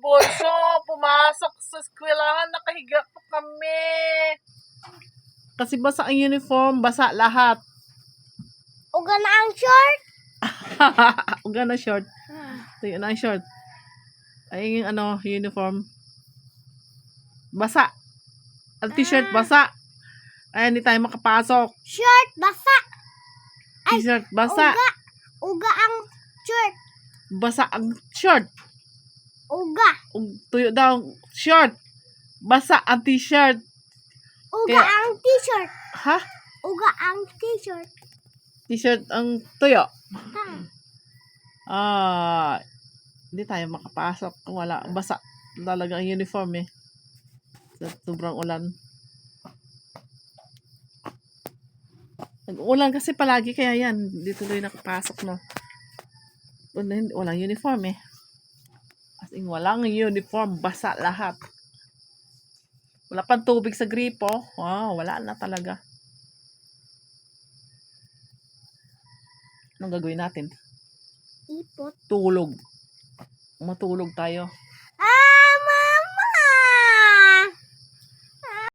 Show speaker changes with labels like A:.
A: bunso, pumasok sa eskwelahan, nakahiga pa kami. Kasi basa ang uniform, basa lahat.
B: Uga na ang short.
A: Uga na short. Ito na ang short. Ay, yung uniform. Basa. Ang t-shirt, basa. Ay, hindi tayo makapasok.
B: Short, basa.
A: T-shirt, basa.
B: Uga ang short.
A: Basa ang short.
B: Uga.
A: Tuyo daw, short. Basa ang t-shirt.
B: Uga ang t-shirt.
A: Ha?
B: Uga ang t-shirt.
A: T-shirt ang tuyo.
B: Ha.
A: Hindi tayo makapasok kung wala. Basa talaga ang uniform eh. Sa sobrang ulan. Nag-ulan kasi palagi kaya yan. Hindi tuloy nakapasok no. Walang uniform eh. As in, walang uniform. Basa lahat. Wala pang tubig sa gripo. Wala na talaga. Anong gagawin natin?
B: Ipot.
A: Tulog. Matulog tayo.